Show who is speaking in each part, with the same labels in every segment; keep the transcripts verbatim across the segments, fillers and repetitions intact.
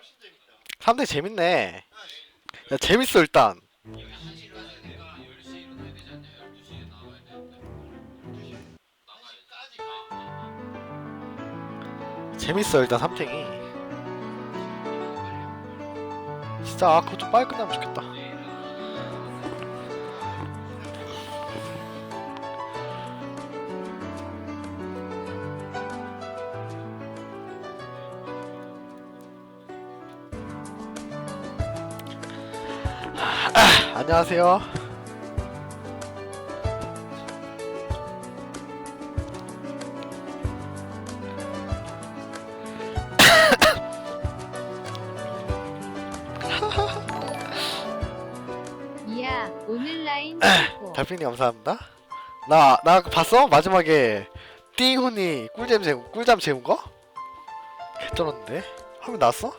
Speaker 1: 삼 대 재밌네. 야, 재밌어 일단. 재밌어 일단 삼탱이. 진짜 아 그거 좀 빨리 끝나면 좋겠다. 아, 안녕하세요.
Speaker 2: 이야 오늘 라인 최고.
Speaker 1: 달팽이 감사합니다. 나, 나 봤어? 마지막에 띵훈이 꿀잼 재운, 꿀잠 재운 거? 개쩔었는데? 화면 나왔어?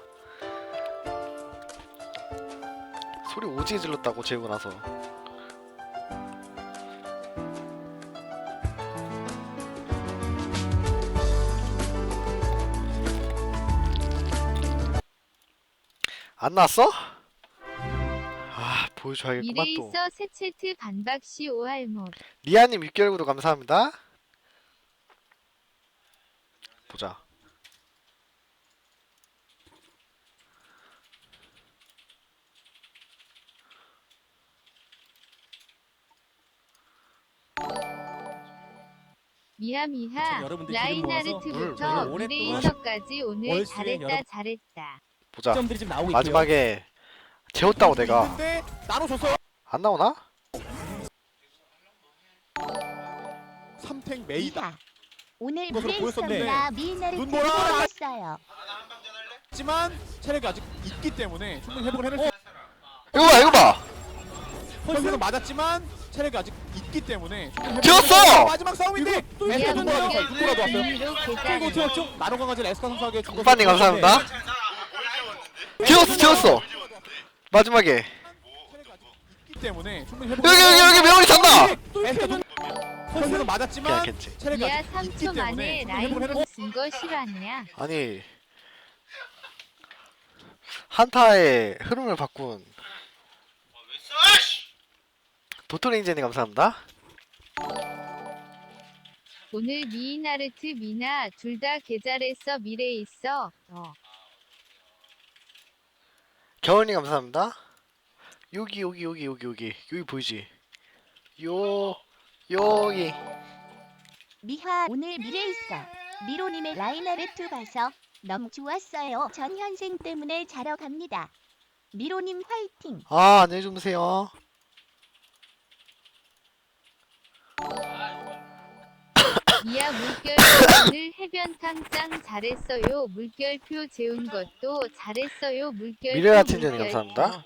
Speaker 1: 소리 오지게 질렀다고 재우고 나서. 안 나왔어? 아 보여줘야겠구만 또.
Speaker 2: 미래있어 새채트 반박시 오할못.
Speaker 1: 리아님 육 개월 구독 감사합니다. 보자.
Speaker 2: 미하미하
Speaker 3: 여러분들
Speaker 2: 라인하르트부터
Speaker 1: 물,
Speaker 2: 미래이서까지 오늘
Speaker 3: 올 시즌
Speaker 2: 잘했다
Speaker 3: 여러분-
Speaker 2: 잘했다.
Speaker 1: 보자.
Speaker 3: 점들이 지금 나오고 있고요.
Speaker 1: 마지막에 재웠다고 내가.
Speaker 4: 있는데 나눠줬어요.
Speaker 1: 안 나오나?
Speaker 4: 삼탱 메이다.
Speaker 5: 이하. 오늘
Speaker 4: 이것으로 보였었는데
Speaker 5: 브레이스나 미나를
Speaker 4: 눈 보라!
Speaker 5: 들어왔어요.
Speaker 4: 하지만 체력이 아직 있기 때문에 충분히 회복을 해낼 수 있어요.
Speaker 1: 이거 봐 이거 봐.
Speaker 4: 펄스는 맞았지만 체력이 아직 있기 때문에 충분히 회복을
Speaker 1: 튀었어!
Speaker 4: 해낼 수 있어요. 마지막 싸움인데 에스카
Speaker 2: 미야
Speaker 4: 눈 보라도
Speaker 2: 물결
Speaker 4: 눈 보라도 왔어요.
Speaker 2: 비밀로
Speaker 4: 그리고
Speaker 2: 계산.
Speaker 4: 튀었죠? 나노 강아지 에스카 선수에게 준
Speaker 1: 굿파님 감사합니다. 튀었어 튀었어. 마지막에
Speaker 4: 체력이 아직 있기 때문에 충분히 회복.
Speaker 1: 여기 여기 여기 메모리 찼다.
Speaker 4: 에스카 눈 펄스는 맞았지만
Speaker 1: 그냥 캔치.
Speaker 4: 체력이
Speaker 2: 미야
Speaker 4: 아직 있기
Speaker 2: 삼 초
Speaker 4: 때문에
Speaker 2: 만에
Speaker 4: 충분히
Speaker 2: 라인
Speaker 4: 회복을 해낼 수
Speaker 2: 쓴거 실화냐?
Speaker 1: 아니 한타의 흐름을 바꾼 도토리인제님 감사합니다.
Speaker 2: 오늘 미이나르트 미나 둘 다 개잘했어 미래있어. 어.
Speaker 1: 겨울님 감사합니다. 여기 여기 여기 여기 여기 여기 보이지? 요 여기
Speaker 5: 미하 오늘 미래있어. 미로님의 라인하르트 봐서 너무 좋았어요. 전 현생 때문에 자러 갑니다. 미로님 화이팅.
Speaker 1: 아 안녕히 주무세요.
Speaker 2: 미야 물결 오늘 해변탕 짱 잘했어요. 물결표 재운 것도 잘했어요. 물결표
Speaker 1: 미래와 친전이
Speaker 2: 물결표.
Speaker 1: 감사합니다.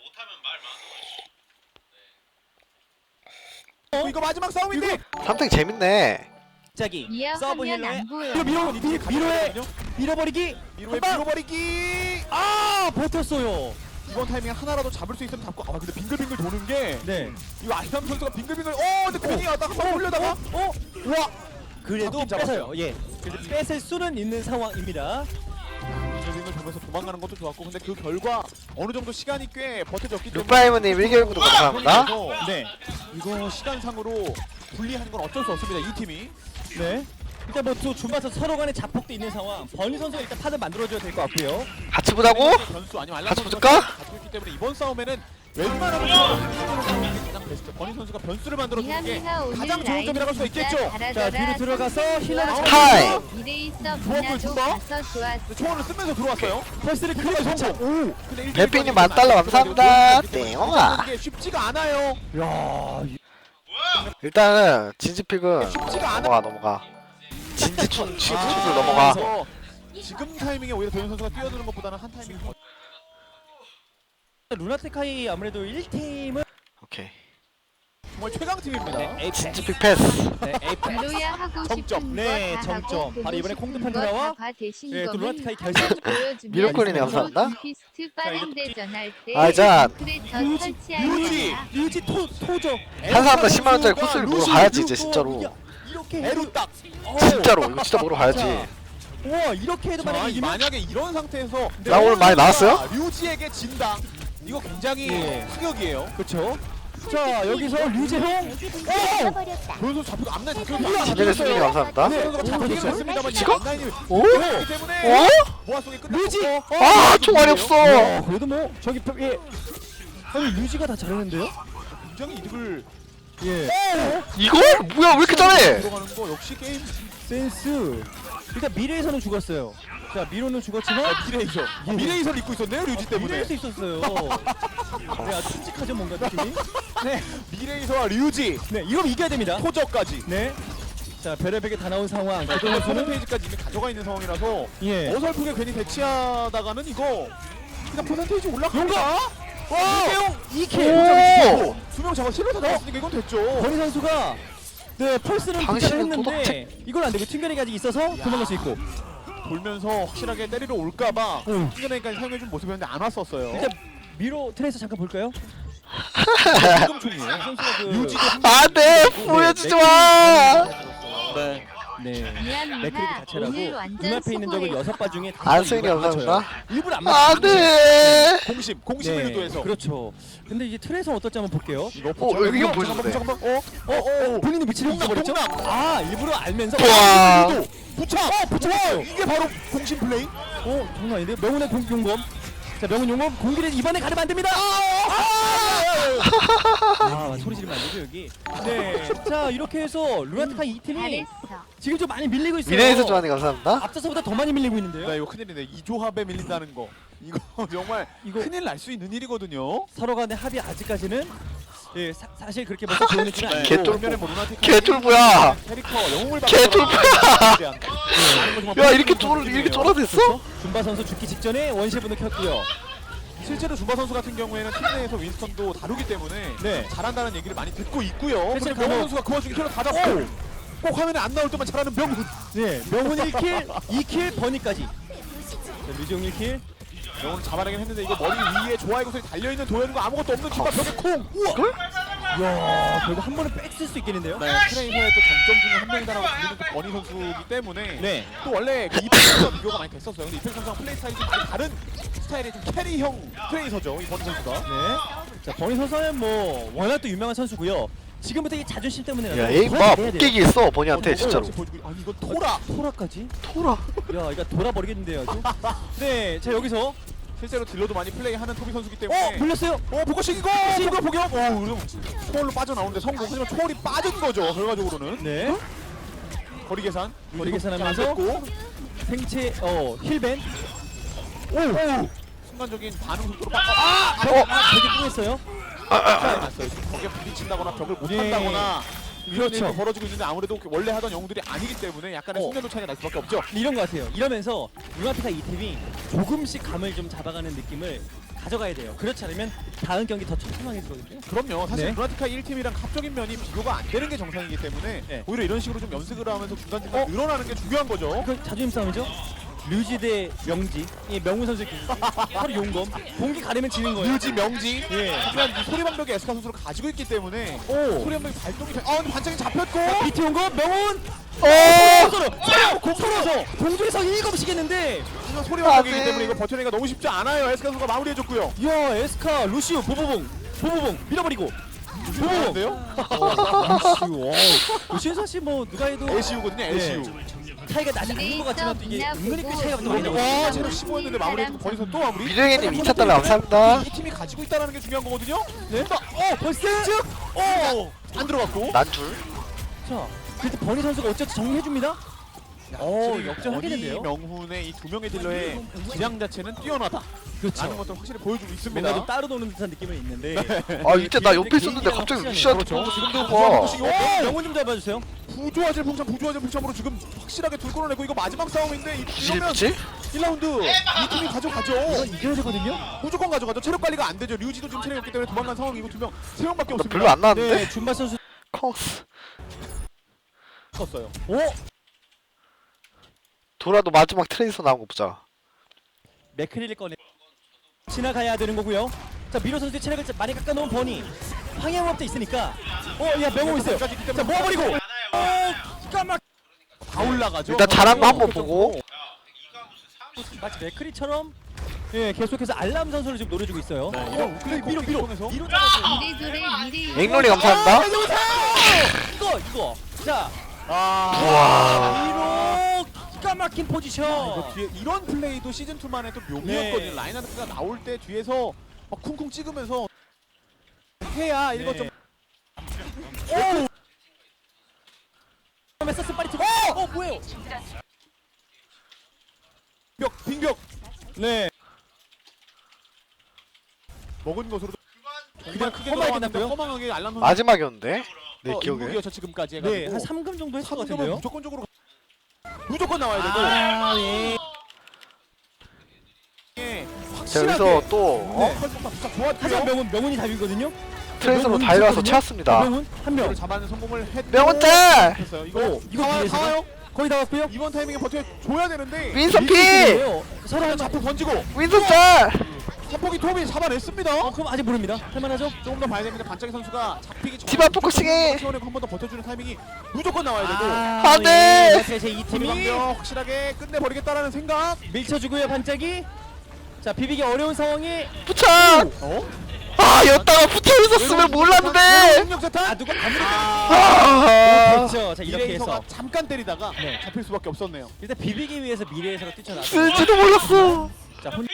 Speaker 4: 어, 이거 마지막 싸움인데
Speaker 1: 삼탱 재밌네.
Speaker 3: 갑자기
Speaker 2: 미야
Speaker 3: 서브
Speaker 2: 화면
Speaker 3: 힐러의
Speaker 2: 안 보여.
Speaker 4: 이거 밀어
Speaker 3: 미- 미로에 밀어버리기.
Speaker 4: 미로의
Speaker 3: 한 방!
Speaker 4: 밀어버리기.
Speaker 3: 아 버텼어요.
Speaker 4: 이번 타이밍에 하나라도 잡을 수 있으면 잡고. 아 근데 빙글빙글 도는 게
Speaker 3: 네.
Speaker 4: 이거 아이람 선수가 빙글빙글. 어 근데 괜히 왔다 한번 올려다가
Speaker 3: 어? 와. 그래도
Speaker 4: 잡긴 잡았어요.
Speaker 3: 뺏어요. 예. 그래도 뺏을 수는 있는 상황입니다.
Speaker 4: 빙글빙글 보면서 도망가는 것도 좋았고 근데 그 결과 어느 정도 시간이 꽤 버텨졌기 때문에
Speaker 1: 루파이머님 일 개월 구독 감사합니다.
Speaker 4: 그래서
Speaker 3: 네.
Speaker 4: 이거 시간상으로 불리한 건 어쩔 수 없습니다. 이 팀이.
Speaker 3: 네. 일단 뭐또 준바서 서로 간에 자폭도 있는 상황. 버니 선수가 일단 판을 만들어줘야 될 것 같고요.
Speaker 1: 같이 보자고?
Speaker 4: 변수 아니면 알람
Speaker 1: 같이
Speaker 4: 선수가
Speaker 1: 붙을까?
Speaker 4: 갖고 있기 때문에 이번 싸움에는 웬만하면 가장 베스트. 버니 선수가 변수를 만들어주는 게
Speaker 2: 미하미하 오늘
Speaker 4: 가장 좋은
Speaker 2: 라인
Speaker 4: 점이라고 할 수
Speaker 2: 진짜
Speaker 4: 있겠죠.
Speaker 3: 자
Speaker 2: 잘하더라.
Speaker 3: 뒤로 들어가서 힐러를
Speaker 4: 아,
Speaker 3: 잡고
Speaker 1: 타임!
Speaker 2: 미래있어
Speaker 4: 좋았고요,
Speaker 2: 미나도
Speaker 4: 준바.
Speaker 2: 가서 좋았어.
Speaker 4: 초원을 쓰면서 들어왔어요.
Speaker 3: 펄스를
Speaker 4: 그리고
Speaker 3: 크게
Speaker 4: 성공.
Speaker 3: 성공.
Speaker 4: 오. 근데
Speaker 1: 뱀피님
Speaker 4: 일대일
Speaker 1: 만 달러 감사합니다.
Speaker 4: 이게
Speaker 1: 땡아.
Speaker 4: 쉽지가 않아요.
Speaker 3: 야.
Speaker 1: 일단은 진지픽은
Speaker 4: 쉽지가 않아.
Speaker 1: 넘어가 넘어가. 진지충 취급을
Speaker 4: 아,
Speaker 1: 넘어가.
Speaker 4: 그래서 지금 타이밍에 오히려 도현 선수가 뛰어드는 것보다는 한 타이밍 더
Speaker 3: 루나테카이 아무래도 일 팀은
Speaker 1: 오케이.
Speaker 4: 정말 최강 팀입니다.
Speaker 3: 네,
Speaker 1: 진지픽 패스.
Speaker 3: 네, 에이프.
Speaker 2: 미로야 하고
Speaker 4: 정점.
Speaker 2: 싶은
Speaker 3: 네,
Speaker 2: 거다
Speaker 3: 정점.
Speaker 2: 하고
Speaker 3: 바로 이번에
Speaker 2: 보고
Speaker 3: 콩드
Speaker 2: 싶은
Speaker 3: 판테라와
Speaker 2: 거다 대신
Speaker 3: 네, 또
Speaker 2: 거면
Speaker 3: 루나테카이 결승.
Speaker 2: 보여주면
Speaker 1: 미로콜이네, 감사합니다.
Speaker 2: 피스트 빠른 대전 할때
Speaker 1: 아, 자,
Speaker 2: 크레터
Speaker 3: 유지,
Speaker 2: 설치할
Speaker 4: 유지.
Speaker 2: 거야.
Speaker 3: 류지 토 토죠.
Speaker 1: 한 사람당 십만 원짜리 코스를 보러 가야지 이제 진짜로.
Speaker 3: 이렇게
Speaker 4: 에루 딱.
Speaker 1: 진짜로 이거 진짜 보러 가야지.
Speaker 3: 우와 이렇게 해도
Speaker 4: 자,
Speaker 3: 만약에
Speaker 4: 이
Speaker 3: 이기면
Speaker 4: 만약에 이런 상태에서
Speaker 1: 나 오늘 많이 나왔어요?
Speaker 4: 류지에게 진다. 이거 굉장히
Speaker 3: 예.
Speaker 4: 타격이에요.
Speaker 3: 그렇죠. 자 여기서 류재형
Speaker 5: 잃어버렸다.
Speaker 4: 보여서 잡히고 앞라인 잡혔어요.
Speaker 1: 진행해주님 감사합니다.
Speaker 3: 네.
Speaker 4: 선수가 잡히긴 했습니다만 이
Speaker 1: 지금?
Speaker 4: 앞라인이
Speaker 1: 오?
Speaker 4: 그렇기 때문에
Speaker 1: 어?
Speaker 4: 모아 속에 끝났고
Speaker 3: 류지!
Speaker 1: 아 총알이 없어.
Speaker 3: 와, 그래도 뭐 저기 예. 아니 류지가 다 잘하는데요?
Speaker 4: 굉장히 이득을
Speaker 3: 예.
Speaker 1: 이걸? 뭐야 왜 이렇게 잘해?
Speaker 4: 들어가는 거 역시 게임
Speaker 3: 센스. 일단 미래에서는 죽었어요. 자 미로는 죽었지만
Speaker 4: 미래이서 아, 미래이서를 입고 있었네요 류지 때문에.
Speaker 3: 미래에서 있었어요. 네, 아주 끔찍하죠 뭔가 느낌이. 네,
Speaker 4: 미래이서와 류지
Speaker 3: 네 이거 이겨야 됩니다.
Speaker 4: 토저까지
Speaker 3: 네. 자 별의별게 다 나온 상황.
Speaker 4: 그동안
Speaker 3: 그동안
Speaker 4: 소는
Speaker 3: 저는
Speaker 4: 페이지까지 이미 가져가 있는 상황이라서
Speaker 3: 예.
Speaker 4: 어설프게 괜히 대치하다가는 이거 그냥 퍼센테이지 올라가.
Speaker 3: 용가.
Speaker 4: 와!
Speaker 3: 이재용 이 킬.
Speaker 1: 오!
Speaker 4: 두명 잡아 실로 다 잡았으니까 이건 됐죠.
Speaker 3: 권희 선수가 네 펄스는 득점을
Speaker 1: 당신은
Speaker 3: 했는데
Speaker 1: 도덕책.
Speaker 3: 이걸 안 되고 튕겨내기 아직 있어서 도망갈 수 있고.
Speaker 4: 돌면서 확실하게 때리러 올까봐
Speaker 3: 응.
Speaker 4: 튕겨내기까지 사용해준 모습이었는데 안 왔었어요.
Speaker 3: 일단 미로 트레이서 잠깐 볼까요?
Speaker 4: 지금 총이에요.
Speaker 3: 선수가 그
Speaker 4: 류지도
Speaker 1: 안돼 보여주지 마.
Speaker 4: 네.
Speaker 3: 네.
Speaker 2: 미안
Speaker 3: 맥크리그
Speaker 2: 누나
Speaker 3: 자체라고
Speaker 2: 오늘 완전
Speaker 3: 눈앞에 있는 적을
Speaker 2: 수고했어.
Speaker 3: 여섯 발 중에
Speaker 1: 안승이
Speaker 3: 일부러 안
Speaker 1: 감사합니다.
Speaker 3: 맞춰요. 일부러 안 맞춰요.
Speaker 1: 안돼.
Speaker 4: 공심, 공심을
Speaker 3: 네,
Speaker 4: 유도해서.
Speaker 3: 그렇죠. 근데 이제 트레이서 어떨지 한번 볼게요.
Speaker 4: 이거
Speaker 1: 어, 이거 보여주네.
Speaker 4: 잠깐만, 어?
Speaker 3: 어, 어, 어, 본인의 위치를
Speaker 4: 동남,
Speaker 3: 잃어버렸죠?
Speaker 4: 동남.
Speaker 3: 아, 일부러 알면서.
Speaker 1: 와.
Speaker 4: 유도, 부착!
Speaker 3: 어, 부착했어요.
Speaker 4: 이게 바로 공심 플레이?
Speaker 3: 어, 장난 아닌데? 명훈의 공, 용검. 자, 명훈 용검 공기를 이번에 가르면 안 됩니다. 아, 소리 지르면 안 되죠, 여기. 네. 자, 이렇게 해서 루나티카 이 팀이
Speaker 2: 잘했어.
Speaker 3: 지금 좀 많이 밀리고 있어요.
Speaker 1: 미래에서 좋아하는 감사합니다.
Speaker 3: 앞서서보다 더 많이 밀리고 있는데요.
Speaker 4: 네, 이거 큰일이네. 이 조합에 밀린다는 거. 이거 정말
Speaker 3: 이거
Speaker 4: 큰일 날 수 있는 일이거든요.
Speaker 3: 서로 간의 합이 아직까지는 예, 사, 사실 그렇게 먼저 좋은 느낌은
Speaker 1: 네.
Speaker 3: 아니고.
Speaker 1: 개쫄-
Speaker 4: 반면에 뭐 루나티카
Speaker 1: 개쫄보야.
Speaker 4: 캐릭터 영웅을
Speaker 1: 개쫄보야.
Speaker 4: 받고
Speaker 1: 야 이렇게 쫄 이렇게 쫄아댔어?
Speaker 3: 준바 선수 죽기 직전에 원시분을 켰고요.
Speaker 4: 실제로 준바 선수 같은 경우에는 팀 내에서 윈스턴도 다루기 때문에
Speaker 3: 네.
Speaker 4: 잘한다는 얘기를 많이 듣고 있고요.
Speaker 3: 실제로
Speaker 4: 그리고 명훈
Speaker 3: 강호-
Speaker 4: 선수가 그 와중에 킬러 다 잡고 꼭 화면에 안 나올 때만 잘하는 명훈.
Speaker 3: 네, 명훈 일 킬, 이 킬, 버니까지. 자, 류지용 일 킬.
Speaker 4: 명훈을 잡아내긴 했는데 이거 머리 위에 좋아의 구슬이 달려있는 도현과 아무것도 없는 준바 벽에 콩! 우와!
Speaker 3: 이야, 결국 한 번에 뺏을 수 있겠는데요?
Speaker 4: 네, 트레이서의 또 장점 중에 한 명이다라고 불리는 또 버니 선수이기 때문에
Speaker 3: 네.
Speaker 4: 또 원래 그 이펙 선수와 비교가 많이 됐었어요. 근데 이펙 선수랑 플레이 스타일이 좀 많이 다른 스타일의 좀 캐리형 트레이서죠, 이 버니 선수가.
Speaker 3: 네. 자, 버니 선수는 뭐 워낙 또 유명한 선수고요. 지금부터 이 자존심 때문에
Speaker 1: 야 에임 봐 웃기기 있어 버니한테
Speaker 4: 어,
Speaker 1: 진짜로.
Speaker 4: 역시 보여주고- 아니 이건 토라!
Speaker 3: 토라까지?
Speaker 1: 토라.
Speaker 3: 야, 이거 돌아버리겠는데요, 아주. 네, 자 여기서
Speaker 4: 실제로 딜러도 많이 플레이하는 토비 선수기
Speaker 3: 어,
Speaker 4: 때문에
Speaker 3: 불렸어요.
Speaker 4: 어, 보고식이고! 보고 보격! 어, 그럼 초월로 빠져나오는데 성공. 하지만 초월이 빠진 거죠, 결과적으로는.
Speaker 3: 네.
Speaker 4: 거리 계산.
Speaker 3: 거리 계산하면서
Speaker 4: 안 됐고.
Speaker 3: 생체 어, 힐벤.
Speaker 4: 오! 오! 순간적인 반응 속도로 빠 아!
Speaker 3: 벽, 아, 되게 뚱했어요.
Speaker 4: 아! 났어요. 벽에 부딪힌다거나 벽을 못
Speaker 3: 네.
Speaker 4: 한다거나 이런
Speaker 3: 그렇죠.
Speaker 4: 일이 벌어지고 있는데 아무래도 원래 하던 영웅들이 아니기 때문에 약간의
Speaker 3: 어.
Speaker 4: 숙련도 차이가 날 수밖에 없죠.
Speaker 3: 이런 것 같아요. 이러면서 루나티카 이 팀이 조금씩 감을 좀 잡아가는 느낌을 가져가야 돼요. 그렇지 않으면 다음 경기 더 촘촘하게지거든요.
Speaker 4: 그럼요. 사실
Speaker 3: 네.
Speaker 4: 루나티카 일 팀이랑 합적인 면이 비교가 안 되는 게 정상이기 때문에
Speaker 3: 네.
Speaker 4: 오히려 이런 식으로 좀 연습을 하면서 중간중간
Speaker 3: 어?
Speaker 4: 늘어나는 게 중요한 거죠.
Speaker 3: 그 자존심 싸움이죠. 류지 대 명지. 이 명훈 선수의 기- 서로 용검. 공기 가리면 지는 거예요.
Speaker 4: 유지 명지.
Speaker 3: 예.
Speaker 4: 하지만 이 소리방벽이 에스카 선수를 가지고 있기 때문에
Speaker 3: 오.
Speaker 4: 소리방벽이 발동이 돼. 아 근데 반짝이 잡혔고.
Speaker 3: 비트 용검 명훈.
Speaker 1: 어.
Speaker 3: 서로 서로 서로 공중에서 일검씩했는데.
Speaker 4: 하지만 소리방벽이기
Speaker 1: 아, 네.
Speaker 4: 때문에 이거 버텨내기가 너무 쉽지 않아요. 에스카 선수가 마무리해줬고요.
Speaker 3: 이야 에스카 루시우 보보봉 보보봉 밀어버리고. 보보봉.
Speaker 4: 좋은데요?
Speaker 3: 루시우. 와우. 루시우 사실 뭐 누가 해도
Speaker 4: 에시우거든요. 에시우.
Speaker 3: 차이가 나지 않는 것 같지만 또 이게 은근히 꽤 차이가 좀 많이 나고
Speaker 4: 와,
Speaker 3: 있어요.
Speaker 4: 체력 십오였는데 마무리해주고 버니선 또 마무리.
Speaker 1: 미래게님 이천 달러 감사합니다.
Speaker 4: 이 팀이 가지고 있다는 게 중요한 거거든요.
Speaker 3: 네. 어 벌써.
Speaker 4: 어, 안 들어갔고.
Speaker 1: 난 둘.
Speaker 3: 자 그래도 버니 선수가 어쨌든 정리해줍니다. 어 역전하겠는데요.
Speaker 4: 명훈의 이 두 명의 딜러의 기량 자체는 뛰어나다.
Speaker 3: 그렇죠.
Speaker 4: 라는 것도 확실히 보여주고 있습니다.
Speaker 3: 뭔가 좀 따로 노는 듯한 느낌은 있는데.
Speaker 1: 아 이때 나 옆에 있었는데 갑자기 루시한테
Speaker 4: 그렇죠. 지금도
Speaker 1: 와.
Speaker 4: 부조하고
Speaker 3: 어, 명훈 좀 잡아주세요.
Speaker 4: 부조화질 풍참 부조화질 풍참으로 지금 확실하게 둘 끌어내고 이거 마지막 싸움인데 이- 이러면
Speaker 1: 그치?
Speaker 4: 일 라운드 이 팀이 가져가죠.
Speaker 3: 이건 이겨야 되거든요.
Speaker 4: 무조건 가져가죠. 체력 관리가 안 되죠. 류지도 지금 체력이 없기 때문에 도망간 상황이고 두 명, 세 명밖에
Speaker 1: 나
Speaker 4: 없습니다.
Speaker 1: 별로 안 나왔는데?
Speaker 3: 네, 준바 선수.
Speaker 1: 콩스.
Speaker 4: 컸어요.
Speaker 3: 오,
Speaker 1: 돌아도 마지막 트레이서 나온 거 보자.
Speaker 3: 맥크리를 꺼내. 지나가야 되는 거고요. 자 미로 선수의 체력을 많이 깎아놓은 버니. 황해무업도 있으니까. 어, 야 명호 있어요. 자 모아버리고. 어, 까막.
Speaker 4: 다 올라가죠.
Speaker 1: 일단 잘한 거 한번 보고.
Speaker 3: 마치 맥크리처럼 예 계속해서 알람 선수를 지금 노려주고 있어요.
Speaker 4: 네, 이런 우클릭
Speaker 3: 밀어 밀어
Speaker 4: 통해서
Speaker 3: 밀어 잡아서
Speaker 2: 미래조래 미래
Speaker 1: 앵롤이 감사합니다.
Speaker 3: 아, 이거 이거 자
Speaker 1: 우와.
Speaker 3: 밀어 기가 막힌 포지션.
Speaker 4: 이거 뒤에 이런 플레이도 시즌 투만의 또 묘미였거든요.
Speaker 3: 네.
Speaker 4: 라인하르트가 나올 때 뒤에서 막 쿵쿵 찍으면서 해야 이거
Speaker 3: 네.
Speaker 4: 좀
Speaker 3: 메서스 빨리 들어. 어 뭐예요?
Speaker 4: 벽 빙벽
Speaker 3: 네.
Speaker 4: 먹은 것으로
Speaker 3: 그냥
Speaker 4: 크게
Speaker 3: 허망하게
Speaker 4: 들어갔는데
Speaker 3: 끝났고요.
Speaker 4: 허망하게 알람 선수
Speaker 1: 마지막이었는데 내
Speaker 4: 어,
Speaker 1: 기억에.
Speaker 4: 인국이었죠, 지금까지 해가지고
Speaker 3: 네, 한 삼 금 정도 했을 것
Speaker 4: 삼 금은
Speaker 3: 같은데요.
Speaker 4: 무조건적으로 무조건 나와야 되고
Speaker 3: 아, 예.
Speaker 4: 예,
Speaker 1: 자
Speaker 4: 확실하게
Speaker 1: 여기서 또
Speaker 4: 네,
Speaker 1: 어?
Speaker 4: 활동가 진짜
Speaker 3: 하지만
Speaker 4: 좋았고요.
Speaker 3: 명훈 명훈이 답이거든요.
Speaker 1: 트레이서로
Speaker 3: 명훈
Speaker 1: 달려와서
Speaker 3: 있었거든요.
Speaker 1: 채웠습니다.
Speaker 3: 명훈 한 명.
Speaker 4: 이거를 잡아내는 성공을 했고
Speaker 1: 명훈 짤!
Speaker 4: 했어요. 이거
Speaker 3: 오, 이거
Speaker 4: 다 와요,
Speaker 3: 뒤에서
Speaker 4: 다 와요.
Speaker 3: 거의 다 왔고요.
Speaker 4: 이번 타이밍에 버텨줘야 되는데
Speaker 1: 윈선 피!
Speaker 3: 서로
Speaker 4: 그냥
Speaker 3: 한
Speaker 4: 자폭 던지고
Speaker 1: 윈선 짤!
Speaker 4: 자폭이 톱이 잡아냈습니다.
Speaker 3: 어, 그럼 아직 모릅니다. 할만하죠?
Speaker 4: 조금 더 봐야 됩니다. 반짝이 선수가 잡히기 전에
Speaker 1: 디바 포커싱해!
Speaker 4: 시원하고 한 번 더 버텨주는 타이밍이 무조건 나와야 되고
Speaker 1: 안 돼!
Speaker 3: 예, 이 팀이
Speaker 4: 팀이 확실하게 끝내버리겠다라는 생각.
Speaker 3: 밀쳐주고요 반짝이. 자 비비기 어려운 상황이
Speaker 1: 부착!
Speaker 4: 어?
Speaker 1: 아 여기다가 붙어 있었으면 몰랐는데!
Speaker 4: 능력 자탄.
Speaker 3: 아 누가 아무리
Speaker 1: 아
Speaker 3: 됐죠. 자 이렇게
Speaker 4: 이래서가
Speaker 3: 해서
Speaker 4: 잠깐 때리다가
Speaker 3: 네.
Speaker 4: 잡힐 수밖에 없었네요.
Speaker 3: 일단 비비기 위해서 미래에서가 뛰쳐나서
Speaker 1: 쓸지도 몰랐어.
Speaker 3: 자 혼...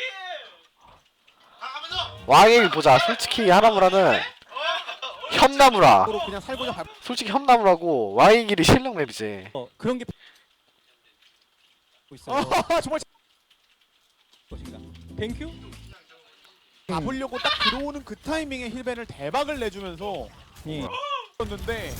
Speaker 1: 왕의 일 보자. 솔직히 하나무라는 협나무라.
Speaker 4: 서로 그냥 살고자 발.
Speaker 1: 솔직히 협나무라고 왕의 길이 실력 맵이지.
Speaker 3: 어, 그런 게 있어요.
Speaker 4: 아 정말
Speaker 3: 것인가? 뱅큐?
Speaker 4: 잡으려고 딱 들어오는 그 타이밍에 힐벤을 대박을 내주면서
Speaker 3: 예.
Speaker 4: 었는데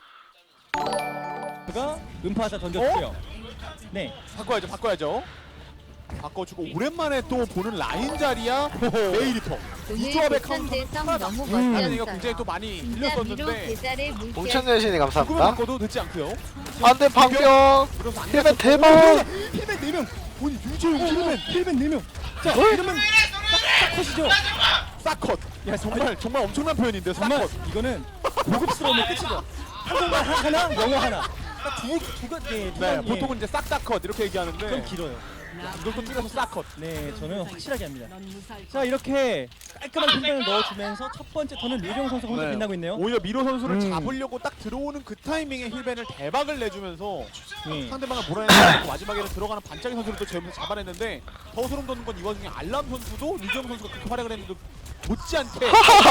Speaker 3: 그가 음파하다 던졌고요. 네.
Speaker 4: 바꿔야죠, 바꿔야죠. 바꿔주고 오랜만에 또 보는 라인 자리야 메이리터. 이
Speaker 2: 오늘
Speaker 4: 조합의
Speaker 2: 부천
Speaker 4: 카운터
Speaker 2: 대성
Speaker 4: 하나다.
Speaker 2: 너무
Speaker 4: 하는 얘기가
Speaker 2: 멋졌어요.
Speaker 4: 굉장히 또 많이
Speaker 2: 진짜 미로
Speaker 4: 들렸었는데
Speaker 2: 계좌를 물게
Speaker 1: 봉천여신이
Speaker 4: 조금은
Speaker 1: 감사합니다.
Speaker 4: 바꿔도 늦지 않고요.
Speaker 1: 안돼 방병.
Speaker 4: 그래서 안
Speaker 1: 힐벤
Speaker 4: 갔었고.
Speaker 1: 대박.
Speaker 4: 힐벤 네 명. 오니 유재용 힐벤
Speaker 3: 힐벤 네 명. 자,
Speaker 1: 어?
Speaker 3: 이러면 싹컷이죠.
Speaker 4: 싹컷.
Speaker 3: 야,
Speaker 4: 정말 정말 엄청난 표현인데
Speaker 3: 정말
Speaker 4: 싹컷.
Speaker 3: 이거는 고급스러움의 끝이죠. 한국말 하나, 영어 하나. 딱 두, 두가, 네, 두
Speaker 4: 네,
Speaker 3: 가지.
Speaker 4: 보통은 이제 싹싹컷 이렇게 얘기하는데
Speaker 3: 좀 길어요.
Speaker 4: 이걸 또 줄여서 싹컷.
Speaker 3: 네, 저는 확실하게 합니다. 자, 이렇게 깔끔한 힐벤을 넣어주면서 첫 번째 턴은 류정 선수가 혼자
Speaker 4: 네.
Speaker 3: 빛나고 있네요.
Speaker 4: 오히려 미로 선수를
Speaker 3: 음.
Speaker 4: 잡으려고 딱 들어오는 그 타이밍에 힐벤을 대박을 내주면서
Speaker 3: 예.
Speaker 4: 상대방을 몰아내고 마지막에는 들어가는 반짝이 선수를 또 재우면서 잡아냈는데 더 소름 돋는 건 이 와중에 알람 선수도 류정 선수가 그렇게 활약을 했는데 못지않게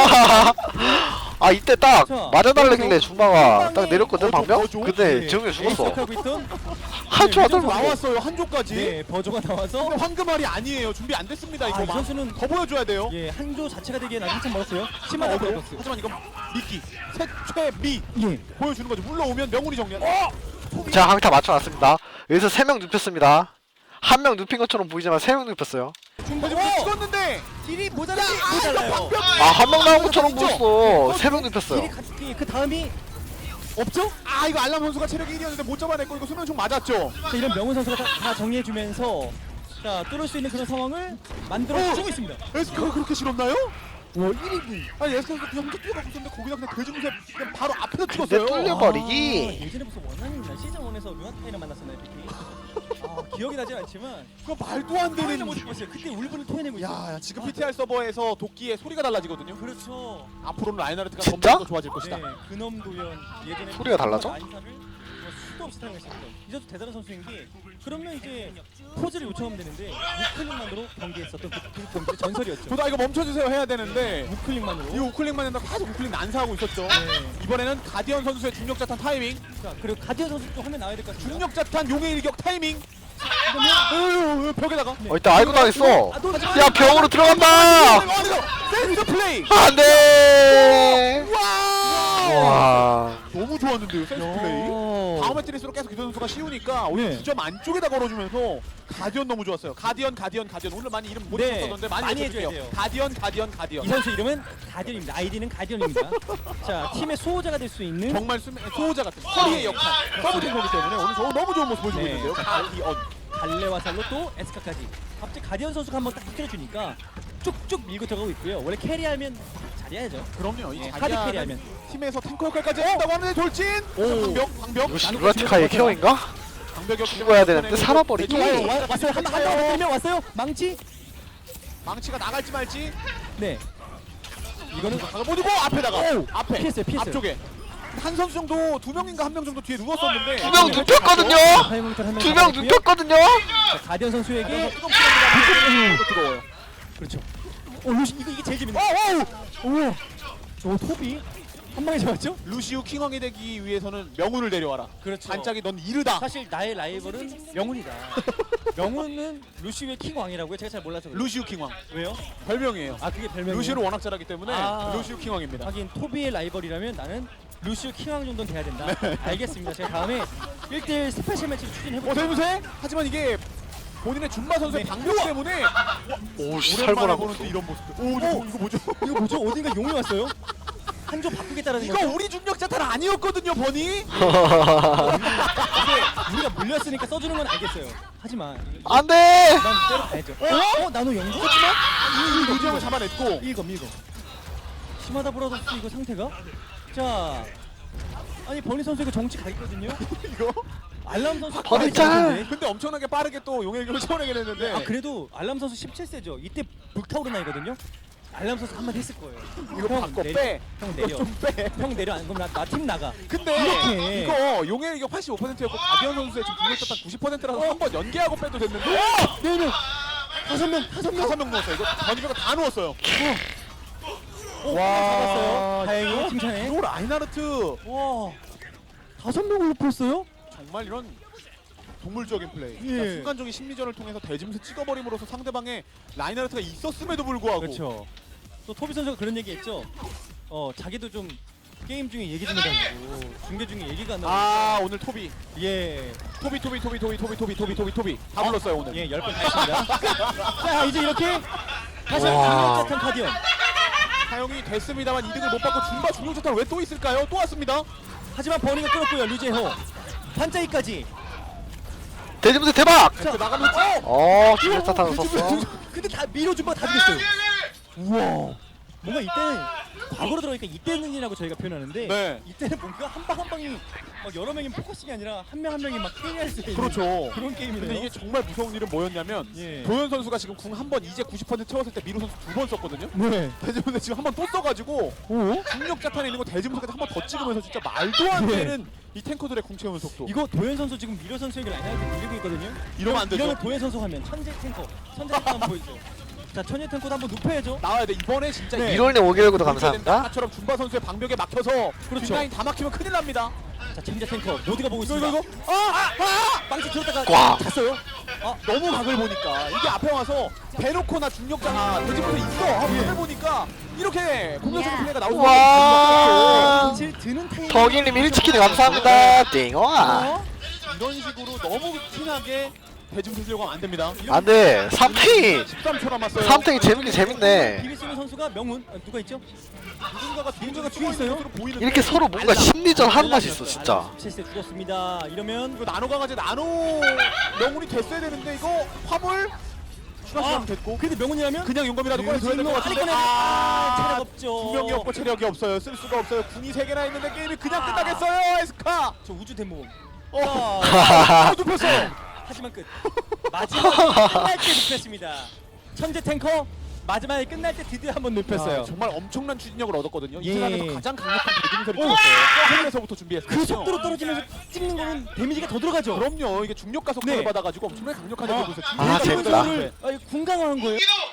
Speaker 1: 아 이때 딱
Speaker 3: 자,
Speaker 1: 맞아달라길래 중마가 딱
Speaker 4: 어,
Speaker 1: 내렸거든
Speaker 4: 더
Speaker 1: 방병?
Speaker 4: 줘?
Speaker 1: 근데
Speaker 3: 네.
Speaker 1: 재웅이 죽었어.
Speaker 3: 시작하고 있던
Speaker 1: 한조
Speaker 3: 네,
Speaker 1: 하더라고.
Speaker 4: 나왔어요 한조까지.
Speaker 3: 네, 버저가 나와서
Speaker 4: 근데 황금알이 아니에요. 준비 안 됐습니다. 이거
Speaker 3: 아, 이
Speaker 4: 막
Speaker 3: 선수는
Speaker 4: 더 보여줘야 돼요.
Speaker 3: 예, 한조 자체가 되기엔 아직 한참 멀었어요. 심한
Speaker 4: 어,
Speaker 3: 어,
Speaker 4: 어, 하지만 이건 미끼 최최미
Speaker 3: 예.
Speaker 4: 보여주는 거죠. 물러오면 명훈이 정리한. 어!
Speaker 1: 자 강타 맞춰놨습니다. 여기서 세 명 눕혔습니다. 한 명 눕힌 것처럼 보이지만 세 명 눕혔어요.
Speaker 4: 중간에 찍었는데
Speaker 3: 딜이 모자라지 모자라요.
Speaker 1: 아 한 명 나온 것처럼 보였어. 세 명 눕혔어요.
Speaker 3: 딜이 같이 그 다음이 없죠?
Speaker 4: 아 이거 알람 선수가 체력이 일이었는데 못 잡아냈고 이거 수면총 맞았죠.
Speaker 3: 자, 이런 명훈 선수가 다, 다 정리해주면서 자 뚫을 수 있는 그런 상황을 만들어주고 있습니다.
Speaker 4: 에스카가 그렇게 싫었나요?
Speaker 3: 와 일 인분.
Speaker 4: 아니 에스카가 그냥 혼자 뛰어가고 있었는데 거기다 그냥 돼지무새 그냥 바로 앞에서
Speaker 1: 근데
Speaker 4: 찍었어요.
Speaker 1: 뚫려- 버리기.
Speaker 3: 아, 예전에 무슨 원한이나 시즌 원에서 류아타이를 만났었나요, 비키? 아 기억이 나진 않지만
Speaker 4: 그거 말도 안
Speaker 3: 토해내
Speaker 4: 되는.
Speaker 3: 모습 봤어요. 그때 울분을 토해내고 있어요.
Speaker 4: 야, 야 지금 피티알 서버에서 도끼의 소리가 달라지거든요.
Speaker 3: 그렇죠.
Speaker 4: 앞으로는 라인하르트가
Speaker 1: 진짜?
Speaker 4: 점점 더 좋아질 것이다.
Speaker 3: 네, 근엄 도연 예전에
Speaker 1: 소리가 달라져?
Speaker 3: 안사를 뭐 수도 없이 사용했었던 이 선수 대단한 선수인 게 그러면 이제 포즈를 요청하면 되는데 우클릭만으로 경기했었던 그, 그 경기 전설이었죠.
Speaker 4: 저도 아, 이거 멈춰주세요 해야 되는데
Speaker 3: 우클릭만으로.
Speaker 4: 이 우클릭만 했다가 계속 우클릭 난사하고 있었죠.
Speaker 3: 네.
Speaker 4: 이번에는 가디언 선수의 중력자탄 타이밍,
Speaker 3: 자, 그리고 가디언 선수 또 화면 나와야 될 것 같습니다.
Speaker 4: 중력자탄 용의 일격 타이밍.
Speaker 3: 그러면
Speaker 4: 으, 벽에다가.
Speaker 1: 어 일단 알고 당했어.
Speaker 3: 아, 또
Speaker 1: 야 병으로 들어간다.
Speaker 4: 센스 플레이.
Speaker 1: 안돼.
Speaker 4: 와.
Speaker 1: 와.
Speaker 4: 너무 좋았는데요 센스 플레이. 다음 매트리스로 계속 기도 선수가 씌우니까 오늘
Speaker 3: 네.
Speaker 4: 두 점 안쪽에다 걸어주면서 가디언 너무 좋았어요. 가디언 가디언 가디언 오늘 많이 이름 못
Speaker 3: 네,
Speaker 4: 썼었는데 많이,
Speaker 3: 많이
Speaker 4: 해줘주세요.
Speaker 3: 해줘야 돼요.
Speaker 4: 가디언 가디언 가디언.
Speaker 3: 이 선수 이름은 가디언입니다. 아이디는 가디언입니다. 자, 팀의 수호자가 될 수 있는
Speaker 4: 정말 수면, 소호자 같은 커리의 역할 서브팀이기 때문에 오늘 저 너무 좋은 모습 보여주고
Speaker 3: 네.
Speaker 4: 있는데요. 가디언.
Speaker 3: 갈레와 살로 또 에스카까지. 갑자기 가디언 선수가 한번 딱 터뜨려주니까 쭉쭉 밀고 들어가고 있고요. 원래 캐리하면 잘해야죠.
Speaker 4: 그럼요. 이
Speaker 3: 네,
Speaker 4: 자기야
Speaker 3: 카드 캐리하면.
Speaker 4: 팀에서 탱커 역할까지 했다고 하는데 돌진.
Speaker 3: 오.
Speaker 4: 방벽 방벽.
Speaker 1: 이거 시루라티카의 케어인가?
Speaker 4: 방벽이
Speaker 1: 죽어야 되는데 살아버리기.
Speaker 3: 와, 와, 왔어요. 한번 한번 때리면 왔어요. 망치.
Speaker 4: 망치가 나갈지 말지.
Speaker 3: 네. 이거는
Speaker 4: 가보니고 앞에다가
Speaker 3: 오!
Speaker 4: 앞에
Speaker 3: 피했어요, 피했어요.
Speaker 4: 앞쪽에 한 선수 정도 두 명인가 한 명 정도 뒤에 누웠었는데
Speaker 1: 두 명 눕혔거든요. 두 명 눕혔거든요.
Speaker 3: 자, 가디언 선수에게
Speaker 4: 뜨겁습니다. 뜨거워요.
Speaker 3: 그렇죠. 오, 루시 이거 이게 제일 재밌네. 오, 오, 오, 토비 한 방에 잡았죠?
Speaker 4: 루시우 킹왕이 되기 위해서는 명운을 데려와라.
Speaker 3: 그렇죠.
Speaker 4: 반짝이 넌 이르다.
Speaker 3: 사실 나의 라이벌은 명훈이다. 명훈은 루시우의 킹왕이라고요. 제가 잘 몰라서 그래요.
Speaker 4: 루시우 킹왕
Speaker 3: 왜요?
Speaker 4: 별명이에요.
Speaker 3: 아 그게 별명이에요.
Speaker 4: 루시우를 워낙 잘하기 때문에
Speaker 3: 아.
Speaker 4: 루시우 킹왕입니다.
Speaker 3: 하긴 토비의 라이벌이라면 나는 루시우 킹왕 정도는 돼야 된다. 알겠습니다. 제가 다음에 일 대일 스페셜 매치를
Speaker 4: 어
Speaker 3: 추진해볼게요.
Speaker 4: 대무새? 하지만 이게 본인의 준마 선수의
Speaker 3: 네.
Speaker 4: 방벽 때문에
Speaker 1: 오씨
Speaker 4: 오랜만에
Speaker 1: 살벌한
Speaker 4: 보는
Speaker 1: 거.
Speaker 4: 또 이런 모습들. 오 이거, 이거 뭐죠?
Speaker 3: 이거 뭐죠? 어딘가 용이 왔어요? 한조 바꾸겠다라는
Speaker 4: 이거
Speaker 3: 거죠?
Speaker 4: 우리 중력 자탄 아니었거든요, 버니.
Speaker 3: 이게 우리가 물렸으니까 써주는 건 알겠어요. 하지만
Speaker 1: 안돼.
Speaker 3: 난 때려 가야죠. 어? 어? 나노 영구? 하지만
Speaker 4: 이 루지형을 잡아냈고
Speaker 3: 밀거 밀거. 심하다 브라더스 이거 상태가? 자, 아니 버니 선수 이거 정치 가 있거든요.
Speaker 4: 이거.
Speaker 3: 알람 선수
Speaker 1: 버니
Speaker 3: 가만히
Speaker 1: 짤!
Speaker 3: 있는데.
Speaker 4: 근데 엄청나게 빠르게 또 용의 경을 채워내게 됐는데.
Speaker 3: 아 그래도 알람 선수 십칠 세죠. 이때 불타오른 나이거든요. 알람 선수 한마디 했을 거예요.
Speaker 4: 이거
Speaker 3: 형,
Speaker 4: 바꿔
Speaker 3: 내려.
Speaker 4: 빼.
Speaker 3: 형
Speaker 4: 이거
Speaker 3: 내려.
Speaker 4: 좀 빼.
Speaker 3: 형 내려. 안 그러면 나 팀 나가.
Speaker 4: 근데
Speaker 3: 이렇게.
Speaker 4: 이거 용의 이거 팔십오 퍼센트였고 가디언 선수의 지금 공격 자탄 구십 퍼센트라서
Speaker 3: 어.
Speaker 4: 한 번 연계하고 빼도 됐는데.
Speaker 3: 네 명. 다섯 명. 다섯 명.
Speaker 4: 다섯 명 넣었어요. 이거 버니가 다 넣었어요.
Speaker 3: 오,
Speaker 4: 와,
Speaker 3: 잡았어요. 다행히
Speaker 4: 이거-
Speaker 3: 칭찬해.
Speaker 4: 이거 라인하르트
Speaker 3: 와. 다섯 명을 높였어요?
Speaker 4: 정말 이런 동물적인 플레이.
Speaker 3: 예.
Speaker 4: 그러니까 순간적인 심리전을 통해서 대짐수 찍어버림으로써 상대방의 라인하르트가 있었음에도 불구하고
Speaker 3: 그렇죠. 또 토비 선수가 그런 얘기했죠. 어 자기도 좀 게임 중에 얘기 좀 해달라고. 중계 중에 얘기가 안 나오고.
Speaker 4: 아 오늘 토비
Speaker 3: 예.
Speaker 4: 토비 토비 토비 토비 토비 토비 토비 토비 토비 다 불렀어요 오늘.
Speaker 3: 예, 열 번 했습니다. 자, 이제 이렇게 다시
Speaker 1: 와.
Speaker 3: 한번 중력자탄 카디언.
Speaker 4: 사용이 됐습니다만 이득을 못 받고 중바 중력자탄 왜 또 있을까요? 또 왔습니다.
Speaker 3: 하지만 버니가 끌었고요. 류재호. 반짝이까지.
Speaker 1: 대지문세 대박.
Speaker 4: 자 나가면서
Speaker 1: 어 중력자탄을 썼어.
Speaker 3: 근데 다 밀어준 거다 죽였어요. 우와. 뭔가 이때는 과거로 들어가니까 이때는이라고 저희가 표현하는데
Speaker 4: 네.
Speaker 3: 이때는 뭔가 한 방 한 방이 막 여러 명이 포커싱이 아니라 한 명 한 명이 막 캐리할 수 있는
Speaker 4: 그렇죠.
Speaker 3: 그런 게임이네요.
Speaker 4: 근데 이게 정말 무서운 일은 뭐였냐면
Speaker 3: 예.
Speaker 4: 도현 선수가 지금 궁 한 번 이제 구십 퍼센트 채웠을 때 미루 선수 두 번 썼거든요.
Speaker 3: 네.
Speaker 4: 대지문세 지금 한 번 또 써가지고
Speaker 3: 오?
Speaker 4: 중력 자탄에 있는 거 대지문세까지 한 번 더 찍으면서 진짜 말도 안
Speaker 3: 네.
Speaker 4: 되는 이 탱커들의 궁 채우는 속도.
Speaker 3: 이거 도현 선수 지금 미려 선수에게 라인아웃 밀리고 있거든요.
Speaker 4: 이러면 안 되죠.
Speaker 3: 이러면 도현 선수 하면 천재 탱커, 천재 탱커 한번 보여줘. 자, 천재 탱커도 한번 눕혀야죠.
Speaker 4: 나와야 돼 이번에 진짜
Speaker 3: 네.
Speaker 1: 이rol님 오길구도 감사합니다.
Speaker 4: 아까처럼 준바 선수의 방벽에 막혀서
Speaker 3: 그렇죠.
Speaker 4: 뒷라인 다 막히면 큰일 납니다.
Speaker 3: 자, 천재 탱커 모두가 보고
Speaker 4: 이거
Speaker 3: 있습니다.
Speaker 4: 이거 이거 아! 아! 아!
Speaker 3: 빵치 들었다가
Speaker 1: 꽉.
Speaker 3: 잤어요.
Speaker 4: 아, 너무 각을 보니까 이게 앞에 와서 대놓고나 중력자나 대지부터 있어 하고 각을 보니까 이렇게 공격적인 플레이가 나올 수밖에
Speaker 1: 와.
Speaker 4: 없어요.
Speaker 3: 사실 드는 타이밍.
Speaker 1: 덕일님 일 치킨 감사합니다. 띵와.
Speaker 4: 이런 식으로 너무 티나게 대지부 쓰려고 하면 안 됩니다.
Speaker 1: 안돼. 삼탱이
Speaker 4: 십삼 초 남았어요.
Speaker 1: 삼탱이 재밌긴 재밌네.
Speaker 3: 비비 쓰는 선수가 명훈. 아, 누가 있죠?
Speaker 4: 누군가가
Speaker 3: 누군가가
Speaker 4: 뒤에
Speaker 3: 뒤에 있어요?
Speaker 4: 보이는데
Speaker 1: 이렇게 서로 뭔가 심리전 하는 맛이 있어 진짜.
Speaker 3: 십칠 세 죽었습니다. 이러면
Speaker 4: 이거 나노 강아지 나노 명운이 됐어야 되는데 이거 화물 추가 시간
Speaker 3: 아,
Speaker 4: 됐고
Speaker 3: 근데 명훈이라면
Speaker 4: 그냥 용감이라도 꺼내줘야 될 것
Speaker 3: 빨리
Speaker 4: 같은데
Speaker 3: 꺼내. 아, 체력 없죠.
Speaker 4: 두 명이 없고 체력이 없어요. 쓸 수가 없어요. 군이 세 개나 있는데 게임이 그냥 끝나겠어요. 에스카.
Speaker 3: 저 우주 대모험.
Speaker 4: 어.
Speaker 3: 자,
Speaker 4: 아, 눕혔어.
Speaker 3: 하지만 끝. 마지막에 끝날 때 눕혔습니다. 천재 탱커 마지막에 끝날 때 드디어 한번 눕혔어요.
Speaker 4: 아, 정말 엄청난 추진력을 얻었거든요.
Speaker 3: 예.
Speaker 4: 이 세상에서 가장 강력한 대중설이 찍었어요. 하늘에서부터 준비했어요.
Speaker 3: 그 속도로 떨어지면서 찍는 거는 데미지가 더 들어가죠.
Speaker 4: 그럼요. 이게 중력 가속도를
Speaker 3: 네.
Speaker 4: 받아가지고 엄청나게 강력한 대중설.
Speaker 1: 아, 재밌다.
Speaker 3: 를 궁강화한 거예요.